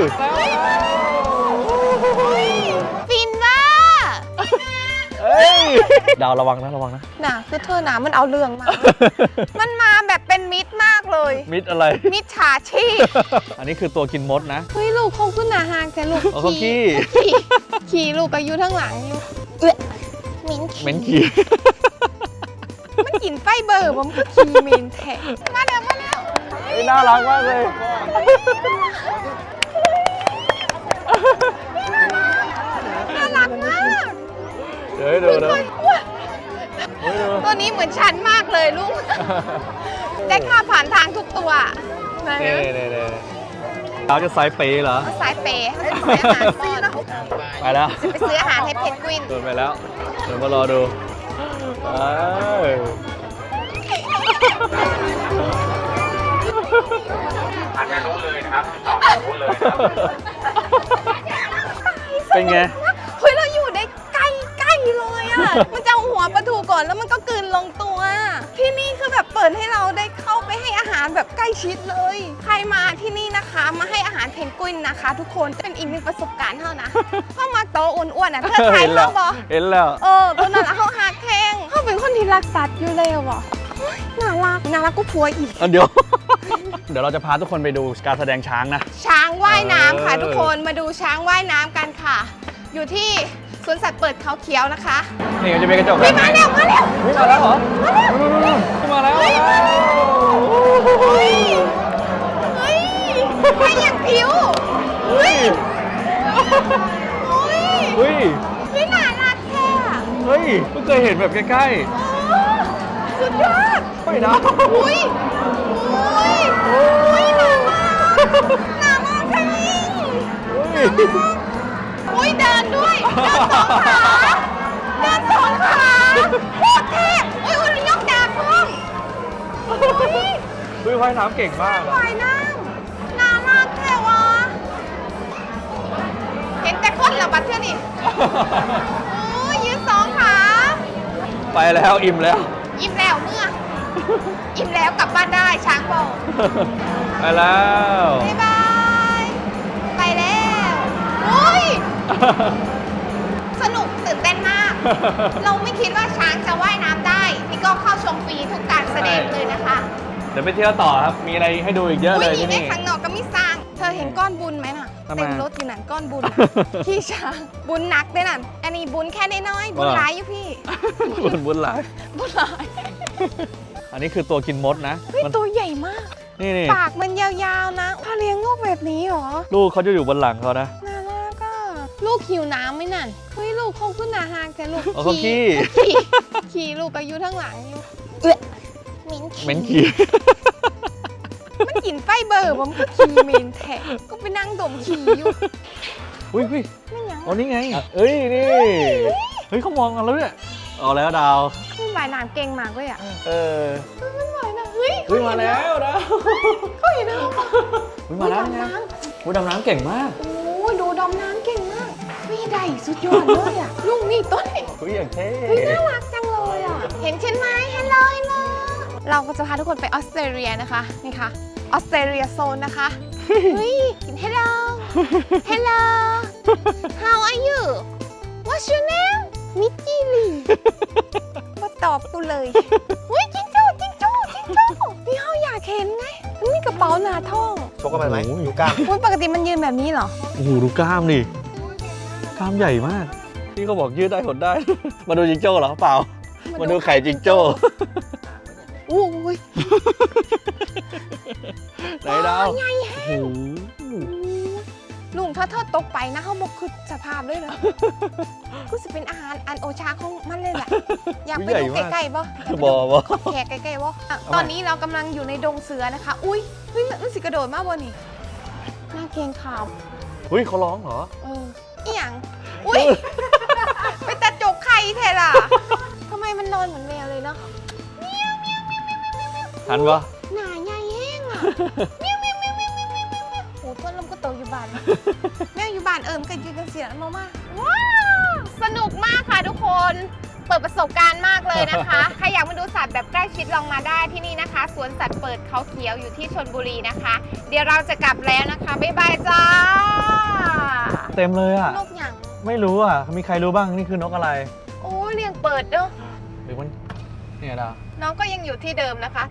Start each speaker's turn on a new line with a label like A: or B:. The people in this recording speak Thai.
A: ฟินว่า
B: ดาวระวังนะ
A: น่ะคือเธอหนามันเอาเรื่องมา มันมาแบบเป็นมิตรมากเลย
B: มิดอะไร
A: มิตรฉาชีพ
B: อันนี้คือตัวกินมดนะ
A: เฮ้ยลูกคงขึ้นหนาหางแต่ลูก
B: เขาขี้
A: ขี่ลูกก็อยู่ทั้งหลังอยู่มิ้น
B: เหม็นขี้
A: มันกินไฟเบอร์ผมก็ขี่มินแทะมาแล้ว
B: น่ารักมากเลย
A: น่ารักมาก
B: เดี๋ยวให้ดูนะ
A: ตัวนี้เหมือนฉันมากเลยลูก ได้ค่าผ่านทางทุกตัวนะ
B: นี่เขาจะไซส์เป๊ะเหรอ
A: สายเปย์ให้ไปซื้ออาหารป้อน
B: ไปแล้ว
A: จะไปซื้ออาหารให้เพนกวิน
B: เดินไปแล้ว เดี๋ยวมารอดู
C: อาจจะรู้เลยนะครับรู้เลยครับ
B: เป็นไง
A: เฮ้ยเราอยู่ได้ใกล้เลยอ่ะ มันจะเอาหัวปลาทูก่อนแล้วมันก็กลืนลงตัว ที่นี่คือแบบเปิดให้เราได้เข้าไปให้อาหารแบบใกล้ชิดเลย ใครมาที่นี่นะคะมาให้อาหารเพนกวินนะคะ ทุกคนเป็นอีกหนึ่งประสบการณ์เท่านะ เข้ามาโตอ้วนๆอ่ะเธอถ่ายเขาบอ
B: เห็นแล้ว
A: ตัวนั้นเขาหักแข้งเขาเป็นคนที่รักสัตว์อยู่แล้วอ่ะเฮ้ยน่ารักก็ผัวอีก
B: เดี๋ยว เดี๋ยวเราจะพาทุกคนไปดูการแสดงช้างนะ
A: ช้างว่ายน้ำค่ะทุกคนมาดูช้างว่ายน้ำกันค่ะ อยู่ที่สวนสัตว์เปิดเขาเขียวนะคะ
B: นี่จะเป็นกระจก
A: มาแล้ว
B: มาแล้วเหรอ มาแล้ว
A: เฮ้ยไปอย่างผิวเฮ้ยน่ารักแท้
B: เฮ้ยเพิ่งเคยเห็นแบบใกล้
A: สุดยอด
B: ๆไม่นะ
A: อุ้ยน่ามากค่ะอุ้ยเดินด้วยเดินสองขาโคตรเท่อุ้ยยกดาบพุ่ง
B: ว่ายน้ำเก่งมาก
A: ว่ายน้ำน่ารักแท้วะเห็นแต่คนละบัดเท่านี่โอ้ยยืนสองขา
B: ไปแล้วอิ่มแล้ว
A: อิ่มแล้วเมื่ออิ่มแล้วกลับบ้านได้ช้างบอก
B: ไปแล้ว
A: บ๊ายบายไปแล้วอุ้ยสนุกตื่นเต้นมาก เราไม่คิดว่าช้างจะว่ายน้ำได้นี่ก็เข้าชมฟรีทุกการแสดงเลยนะคะ
B: เดี๋ยวไปเที่ยวต่อครับ มีอะไรให้ดูอีกเยอะเลยที่
A: ใน
B: นี่
A: ข้างนอกก็มีสร้าง เธอเห็นก้อนบุญไหมน่ะ
B: ทำไม
A: เต็มรถอยู่นั่นก้อนบุญน่ะ พี่ช้างบุญหนักด้วยนั่นอันนี้บุญแค่น้อยๆบุญหลายอยู่พี่
B: บุญหลาย
A: บุญหลาย
B: อันนี้คือตัวกินมดนะ
A: เฮ้ย
B: มัน
A: ตัวใหญ่มาก
B: นี่
A: ปากมันยาวๆนะพาเลี้ยงลูกแบบนี้เหรอ
B: ลูกเขาจะอยู่บนหลังเขานะ
A: น่ารักอ่ะลูกหิวน้ำไหมนั่นเฮ้ยลูกคงขึ้นหนาหางแต่ลูก
B: เขาขี้
A: ขี่ลูกก็อยู่ทั้งหลังอยู่มิ้น
B: เหม็นขี้
A: มันกินไฟเบอร์ผมก็ขี่มินแทะก็ไปนั่งดมขี่อยู่
B: อุ้ย
A: ไม่ยัง
B: อ๋อนี่ไงเอ้ยนี่ เฮ้ยเขามองกันแล้วเนี่ยเอาแล้วดาว
A: มันว่ายน้ำเก่งมากเลยอ่ะ มันว่ายน้ำเฮ้ย
B: มาแล้วดาว
A: เขาเห็นแล้ว
B: มาแล้วไงดำน้ำเก่งมาก
A: โอ้ยดูดำน้ำเก่งมากพี่ใดสุดยอดเลยอ่ะลุงนี่ต้น
B: อุ้ยอย่างเท่
A: เฮ้ยน่ารักจังเลยอ่ะเห็นฉันไหมฮัลโหลเราก็จะพาทุกคนไปออสเตรเลียนะคะนี่ค่ะออสเตรเลียโซนนะคะเฮ้ยกิน hello hello how are you what's your name มิกกี้ลีมาตอบกูเลยเฮ้ยจิงโจ้นี่เขาอยากเห็นไงมันมีกระเป๋าหนาท้อง
C: ชกกันไปไหมอยู่กล้าม
A: อุ๊ยปกติมันยืนแบบนี้เหรอ
B: โอ้โหดูกล้ามดิกล้ามใหญ่มากพี่เขาบอกยืดได้หดได้ มาดูจิงโจ้เหรอเปล่า มาดูไข่จิงโจ้
A: อู้ย
B: ไหนดาว
A: ใหญ่แฮะ
B: โอ้โห
A: ลุงถ้าเธอตกไปนะเขาบอกคือสภาพเลยเหรอ ก็จะเป็นอาหารอันโอชาของมันเลยแหละ อยากไปดูใกล้ๆบ่
B: บอ
A: แขกใกล้ๆบ่อ่ะตอนนี้เรากำลังอยู่ในดงเสือนะคะ อุ้ยเฮ้ยมันสิกระโดดมากบ่นี่น่าเกรงขาม
B: อุ้ยเขาร้องเหรอ
A: อีหยังอุ้ย ไปตัดจกไข่แทนล่ะทำไมมันนอนเหมือนแมวเลยเนาะ
B: ทันปะ
A: หนาใหญ่แห้งอ่ะโอ้ต้นลมก็โตอยู่บ้านแม่อยู่บ้านมันก็ยืนกันเสียงมากว้าวสนุกมากค่ะทุกคน เปิดประสบการณ์มากเลยนะคะ ใครอยากมาดูสัตว์แบบใกล้ชิดลองมาได้ที่นี่นะคะสวนสัตว์เปิดเขาเขียวอยู่ที่ชลบุรีนะคะ เดี๋ยวเราจะกลับแล้วนะคะบ๊ายบายจ้า
B: เต็มเลยอ่ะ
A: นกอย่าง
B: ไม่รู้อ่ะ มีใครรู้บ้างนี่คือนกอะไร
A: โอ้ยเลี้ยงเปิดเด้อ
B: หรือมันเนี่ยดาว
A: น้องก็ยังอยู่ที่เดิมนะคะ